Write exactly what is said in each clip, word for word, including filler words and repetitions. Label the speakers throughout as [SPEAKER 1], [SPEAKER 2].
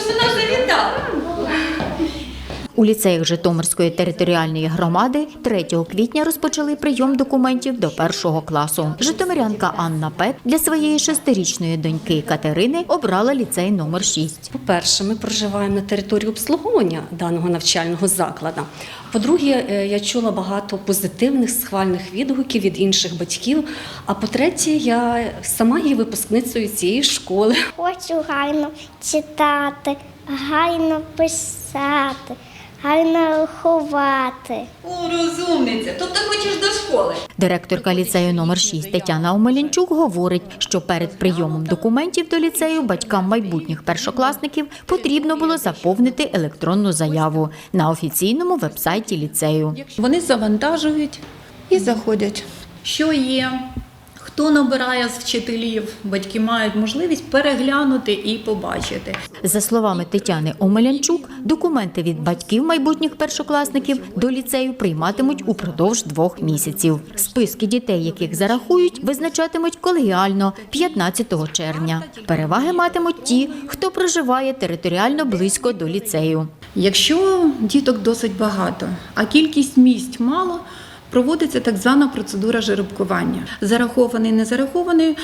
[SPEAKER 1] вона завітала.
[SPEAKER 2] У ліцеях Житомирської територіальної громади третього квітня розпочали прийом документів до першого класу. Житомирянка Анна Пет для своєї шестирічної доньки Катерини обрала ліцей номер шість.
[SPEAKER 3] По-перше, ми проживаємо на території обслуговування даного навчального закладу. По-друге, я чула багато позитивних, схвальних відгуків від інших батьків. А по-третє, я сама є випускницею цієї школи.
[SPEAKER 4] Хочу гарно читати, гарно писати, гарно рахувати.
[SPEAKER 1] О, розумниця, тобто хочеш до школи.
[SPEAKER 2] Директорка ліцею номер шість Тетяна Омелянчук говорить, що перед прийомом документів до ліцею батькам майбутніх першокласників потрібно було заповнити електронну заяву на офіційному веб-сайті ліцею.
[SPEAKER 5] Вони завантажують і заходять. Що є, хто набирає з вчителів, батьки мають можливість переглянути і побачити.
[SPEAKER 2] За словами Тетяни Омелянчук, документи від батьків майбутніх першокласників до ліцею прийматимуть упродовж двох місяців. Списки дітей, яких зарахують, визначатимуть колегіально п'ятнадцятого червня. Переваги матимуть ті, хто проживає територіально близько до ліцею.
[SPEAKER 5] Якщо діток досить багато, а кількість місць мало, проводиться так звана процедура жеребкування. Зарахований, не зарахований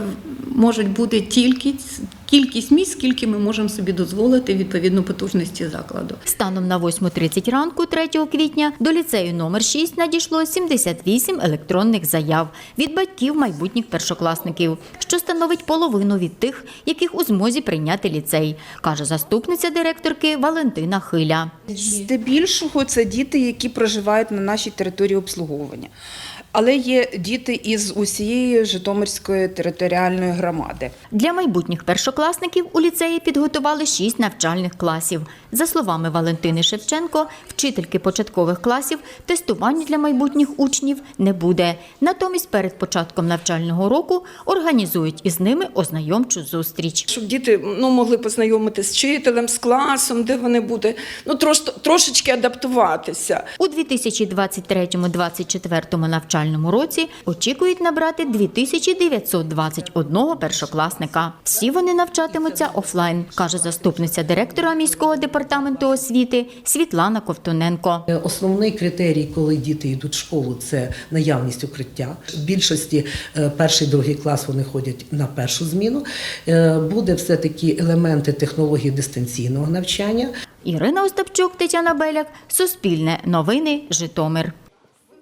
[SPEAKER 5] можуть бути тільки кількість місць, скільки ми можемо собі дозволити відповідно потужності закладу.
[SPEAKER 2] Станом на восьму тридцять ранку третього квітня до ліцею номер шість надійшло сімдесят вісім електронних заяв від батьків майбутніх першокласників, що становить половину від тих, яких у змозі прийняти ліцей, каже заступниця директорки Валентина Хиля.
[SPEAKER 6] Здебільшого це діти, які проживають на нашій території обслуговування. Але є діти із усієї Житомирської територіальної громади.
[SPEAKER 2] Для майбутніх першокласників у ліцеї підготували шість навчальних класів. За словами Валентини Шевченко, вчительки початкових класів, тестування для майбутніх учнів не буде. Натомість перед початком навчального року організують із ними ознайомчу зустріч.
[SPEAKER 7] Щоб діти ну, могли познайомитися з вчителем, з класом, де вони будуть ну, трош, трошечки адаптуватися.
[SPEAKER 2] У дві тисячі двадцять третьому - двадцять четвертому навчальному році очікують набрати дві тисячі дев'ятсот двадцять один першокласника. Всі вони навчатимуться офлайн, каже заступниця директора міського департаменту освіти Світлана Ковтуненко.
[SPEAKER 8] Основний критерій, коли діти йдуть в школу, це наявність укриття. В більшості перший, другий клас вони ходять на першу зміну. Буде все-таки елементи технології дистанційного навчання.
[SPEAKER 2] Ірина Остапчук, Тетяна Беляк, Суспільне новини, Житомир.